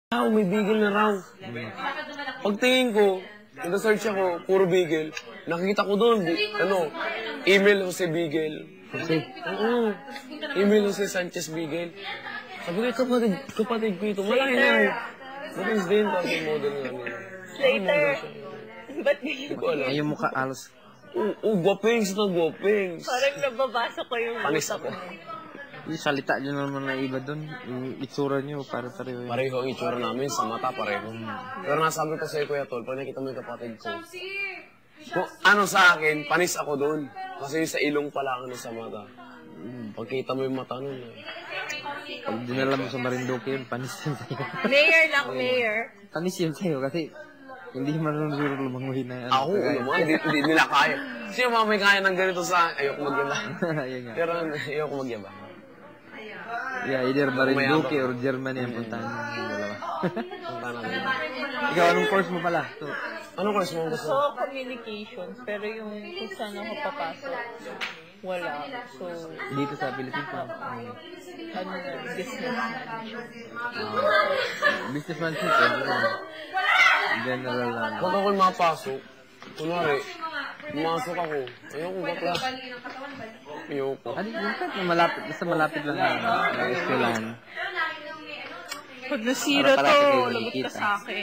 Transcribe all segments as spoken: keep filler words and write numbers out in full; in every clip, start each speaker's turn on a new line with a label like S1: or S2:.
S1: Ah, may bigel na raw. Pagtingin ko, nag-search ako, puro bigel. Nakikita ko doon, ano, email Jose Bigel.
S2: Jose?
S1: Oo. Email Jose Sanchez Bigel. Sabi ko, kapatid, kapatid ko ito. Malaki na eh. Bukas din, kasi model nga nila.
S3: Later. Ba't ganyan?
S1: Hindi ko alam.
S2: Ay, yung mukha alos.
S1: Oo, oh, guwapings ito, guwapings.
S3: Parang nababasa ko yung
S1: Panis
S3: utak
S1: ako.
S3: mo.
S2: Yung salita nyo naman na iba doon. Yung itsura nyo, para pareho yun.
S1: Pareho ang itsura namin, sa mata pareho. Pero nasabi ko sa'yo, Kuya Tol, pag nakita mo yung kapatid ko, kung ano sa akin, panis ako doon. Kasi yung sa ilong pala ang ano sa mata. Pagkita mo yung mata nun. Eh.
S2: Pag dinala mo sa Marinduque yun, panis yun sa'yo.
S3: Mayor lang, mayor.
S2: Panis yun sa'yo kasi hindi marunong siguro lumanguhin na yan.
S1: Ako, ano mo, hindi, hindi nila kaya. Sino mga may kaya ng ganito sa ayoko magyaba.
S2: Ayun nga.
S1: Pero ayoko magyaba.
S2: Yeah, either Marinduque or Germany ang puntahan mo yung dalawa.
S1: Punta namin.
S2: Ikaw, anong course mo pala? So,
S1: Anong course mo gusto?
S3: So, communications. Pero yung kung saan ako papasok, wala. So,
S2: dito sa Philippines na. Um,
S3: ano na, business management.
S2: uh, businessmanship, eh. General na.
S1: Pag ako'y mapasok, kunwari, pumasok ako, ayoko bakla. Ayoko.
S2: Ano, yung kahit na malapit, basta malapit lang na na eskwelahan.
S3: Pag nasira
S2: Para
S3: to,
S2: pala kayo
S3: lagot ka
S2: nakikita.
S3: sa akin.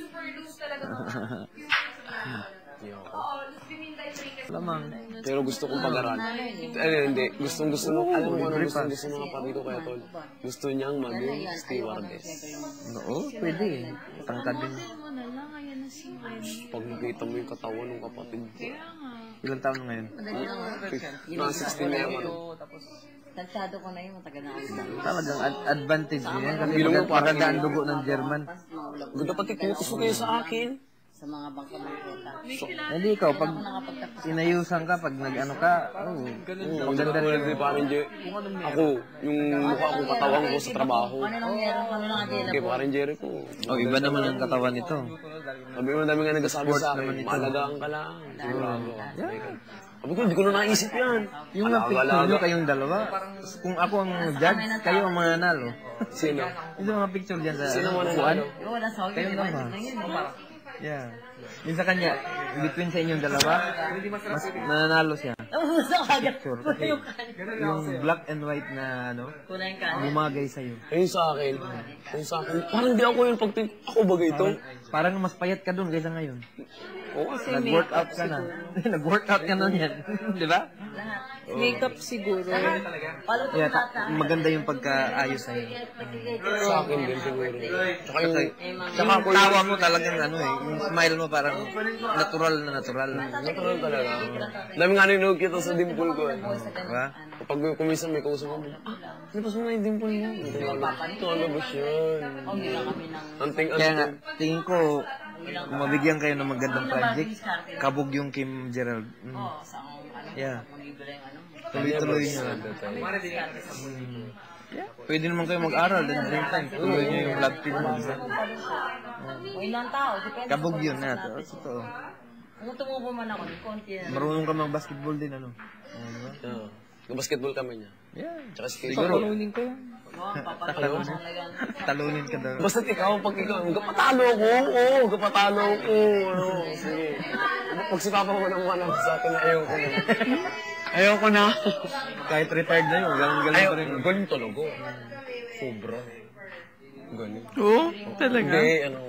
S1: Ayoko.
S2: Lamang.
S1: Pero gusto kong pag-aral. Ano, hindi. Gustong gusto mo. Alam mo anong gustong gusto ng kapatid ko kaya tol? Gusto niyang maging stewardess.
S2: Oo, pwede eh. Tangkad din.
S1: Pag nakita mo yung katawan ng kapatid ko.
S2: Ilang taon na ngayon?
S1: Mga sixteen na yung ano.
S4: Tansado ko na yun, matagal na ako sa
S2: Talagang ad- advantage din yan kasi
S1: Bilong mo,
S2: maganda, maganda ang dugo ng German.
S1: Ganda pati kutos mo kayo sa akin.
S4: sa mga bangka-bangketa.
S2: Hindi ikaw, pag inayusan ka, pag nag-ano ka, oh,
S1: Oo, maganda rin yung parang Jer- Ako, yung mukha ko, katawan ko sa trabaho.
S4: Ano nang meron kami ng agila
S1: Okay, parang Jerry ko.
S2: oh, iba naman ang katawan nito.
S1: Sabi mo, dami nga nagsasabi sa akin, maalagaan ka lang. Sigurado. Sabi ko, hindi ko na naisip yan.
S2: Yung nga picture nyo kayong dalawa, kung ako ang judge, kayo ang mananalo.
S1: Sino?
S2: Yung mga picture dyan sa
S1: Sino mo
S2: upuan,
S1: nanalo?
S4: Oo, nasa ako
S2: kayo
S4: yun,
S2: lang ba?
S4: na yun.
S2: Yeah. Yung sa kanya, between sa inyong dalawa, mas mananalo siya.
S4: Ang gusto ka agad.
S2: Picture, kasi yung black and white na ano,
S4: Kunain ka.
S2: bumagay sa'yo.
S1: Ayun sa akin. Ayun sa akin. Parang di ako yung pagting... Ako ba ito?
S2: Parang mas payat ka dun kaysa ngayon.
S1: Oo,
S2: Nag-workout ka na. Nag-workout ka na yan. Di ba?
S3: Makeup siguro.
S2: Yeah, ta- maganda yung pagkaayos sa'yo.
S1: sa akin din siguro. Tsaka yung...
S2: Tsaka yung tawa mo talagang ano eh, yung smile mo parang natural na natural.
S1: Natural talaga. Dami nga nanood kita sa dimple ko eh.
S2: Diba?
S1: Kapag kumisan may kausap mo, ah, lipas mo na yung dimple mo. Ito ano ba siya? Anting
S2: Kaya nga,
S1: anting.
S2: tingin ko, kung mabigyan kayo ng magandang project, kabog yung Kim Gerald. Mm. Yeah. Tuloy-tuloy nyo lang. Mm. Yeah. Pwede naman kayo mag-aral at the same time. Tuloy nyo yung love team mo.
S4: O ilang tao, depende.
S2: Kabog yun na. Totoo. Totoo.
S4: Kung tumubo man ako, konti na.
S2: Marunong ka mag-basketball din, ano? Oo, diba?
S1: Oo. Nag-basketball kami niya.
S2: Yeah.
S1: Tsaka skate.
S2: Siguro.
S3: Talunin ko yan.
S2: Talunin. Talunin ka daw.
S1: Basta ikaw, pag ikaw, gapatalo ko, oo, gapatalo ko, ano, sige. Pag si Papa mo naman ako sa akin na ayoko na. Ayoko na.
S2: Kahit retired na yun, ganun-ganun
S1: Ayaw,
S2: pa rin.
S1: galing talaga. Sobra. Galing.
S3: Oo, talaga.
S1: Hindi, ano,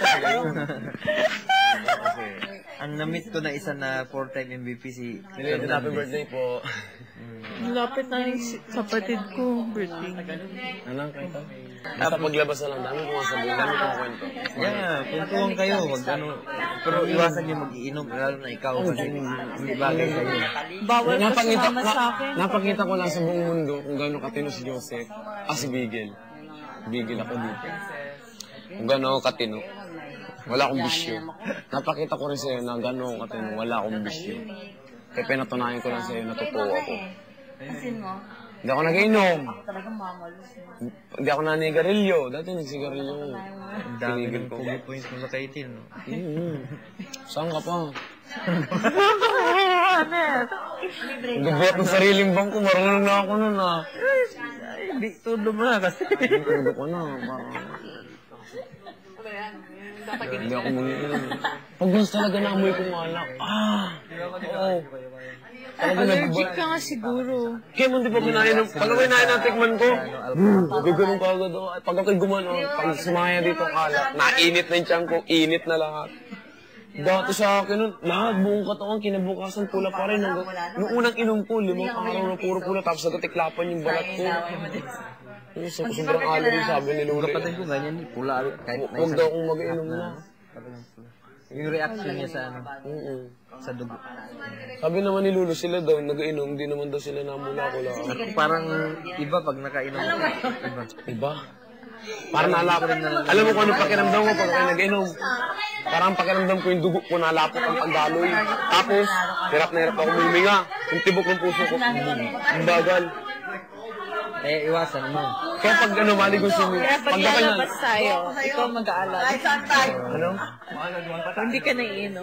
S1: kasi,
S2: Ang na-meet ko na isa na four-time M V P si
S1: Belated happy birthday po.
S3: Lapit na yung si- kapatid ko, birthday.
S1: Anong kwento? Basta paglabas na lang, dami kong sabihin, dami kong kwento.
S2: Yeah, kwentuhan kayo, wag ano. Pero iwasan niyo mag-iinom, lalo na ikaw kasi hindi bagay sa'yo.
S3: Bawal ka
S1: Napakita,
S3: sumama sa akin.
S1: napakita ko lang sa buong mundo kung gaano katino si Joseph. Ah, si Bigel. Bigel ako dito. Kung gaano ako katino. Wala akong bisyo. Napakita ko rin sa'yo na gaano ako katino. Wala akong bisyo. Kaya pinatunayan ko lang sa'yo na totoo ako.
S4: Asin mo,
S1: Hindi ako nag-inom.
S4: talagang mamalos mo.
S1: Hindi ako nanigarilyo. Dati nagsigarilyo.
S2: Ang dami
S1: Tinigil
S2: ng
S1: ko.
S2: fully points mo sa kaitin, no?
S1: Mm. Saan ka pa? Gabot ng sariling bangko. Marunong na ako nun ah.
S2: Ay, di, todo mo na kasi.
S1: Tudo ko na. Parang... Hindi ako mag-iinom. Pag mas talaga naamoy kong alak, ah! Oo. Talaga
S3: Allergic
S1: nag-
S3: ka nga siguro.
S1: Kaya mo di pa kinainom. Pag ako'y nain ng tikman ko, hmm, gagano'n ka agad ako. Pag ako'y gumano, pag sumaya dito ang alak, nainit na yung tiyan ko, init na lahat. Dati sa akin nun, lahat buong katawan, kinabukasan pula pa rin. Hanggang, nung unang inom ko, limang araw na puro pula, tapos nagatiklapan yung balat ko. Yung sa sobrang allergy, sabi ni Luri.
S2: Kapatid ko ganyan, pula. Kahit na
S1: Huwag daw akong mag-inom na.
S2: yung reaction niya sa ano,
S1: Oo.
S2: sa dugo.
S1: Sabi naman ni Lulu, sila daw nag-inom, hindi naman daw sila namula-kula.
S2: Ako parang iba pag nakainom ko. Iba.
S1: Iba? Parang nalapot. Alam mo kung ano pakiramdam ko pag ako nag-inom? Parang pakiramdam ko yung dugo ko nalapot ang pagdaloy. Tapos, hirap na hirap ako huminga. Yung tibok ng puso ko, ang bagal.
S2: Eh, iwasan mo.
S1: Kaya pag ano, maligo si Mimi,
S3: Kaya pag
S1: pag ako yan,
S3: lalabas tayo, ikaw mag-aalala.
S1: ano?
S3: Kung hindi ka naiinom.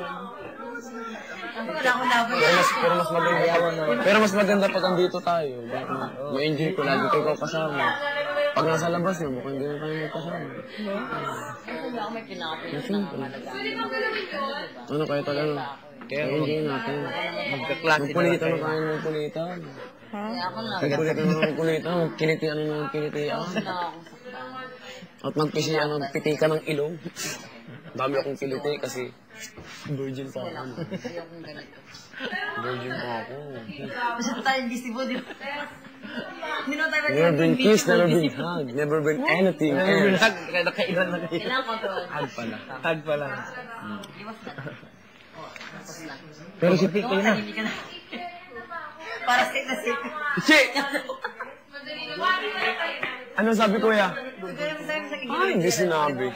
S1: Pero mas, pero mas maganda. Pero mas maganda pag andito tayo. Ma-enjoy ko lagi kayo kasama. Pag nasa labas na, mukhang hindi na tayo magkasama.
S4: May pinakapit na malaga.
S1: Ano kaya tayo, ano? Kaya enjoy natin.
S2: Magkaklase na
S1: Magpulitan na tayo ng magpulitan.
S4: Kaya ako lang.
S1: Magpulitan na ng magpulitan. Magkilitian na ng kilitian.
S4: Wala akong saktan.
S1: At magpisiyan ng pitika ng ilong. Dami akong kiliti kasi virgin pa ako.
S4: Ayokong ganito.
S1: Virgin pa ako.
S4: Masyado tayo visible, di ba? Hindi na tayo
S1: Never been kissed, never been hugged, never been anything else.
S2: Kaya nakailan na kayo.
S4: Kailangan control.
S1: Hug pala.
S2: Tag pa lang.
S4: Iwas na. Tapos na.
S1: Pero si Pico na.
S4: Hindi ka na. Para safe na safe.
S1: Che! Ano sabi ko ya? Ay, hindi sinabi.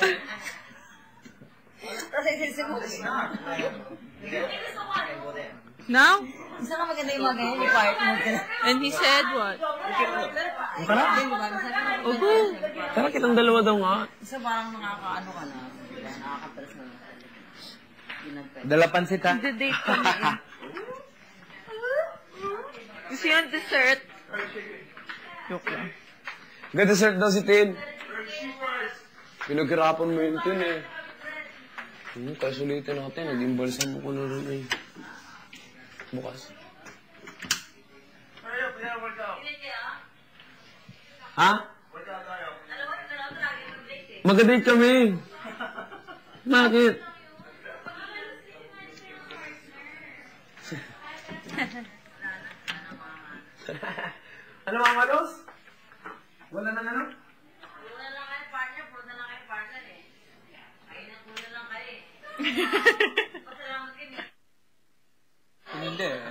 S4: Tapos isa mo.
S3: Now?
S4: Isa ka maganda yung mga ganyan, yung part mo.
S3: And he said what?
S1: Tara.
S3: Oho.
S1: Tara, kitang dalawa daw nga.
S4: Isa parang nakakaano ka na. Nakakatras na. Ginagpay.
S2: Dala pansit ha?
S3: Nagde-date kami. Gusto yung dessert? Joke lang.
S1: Ga-dessert daw si Tin. Pinaghirapan mo yun, Tin eh. Hmm, kaya sulitin natin. Nag-imbalsam mo ko na rin eh. Bukas. Ha? Mag-date kami. Bakit? Ano mga malos? Wala nang ano?
S4: Puro na lang kayo partner, puro na lang kayo partner eh. Kayo na puro na lang kayo eh. Pasalamat kayo.
S2: Hindi.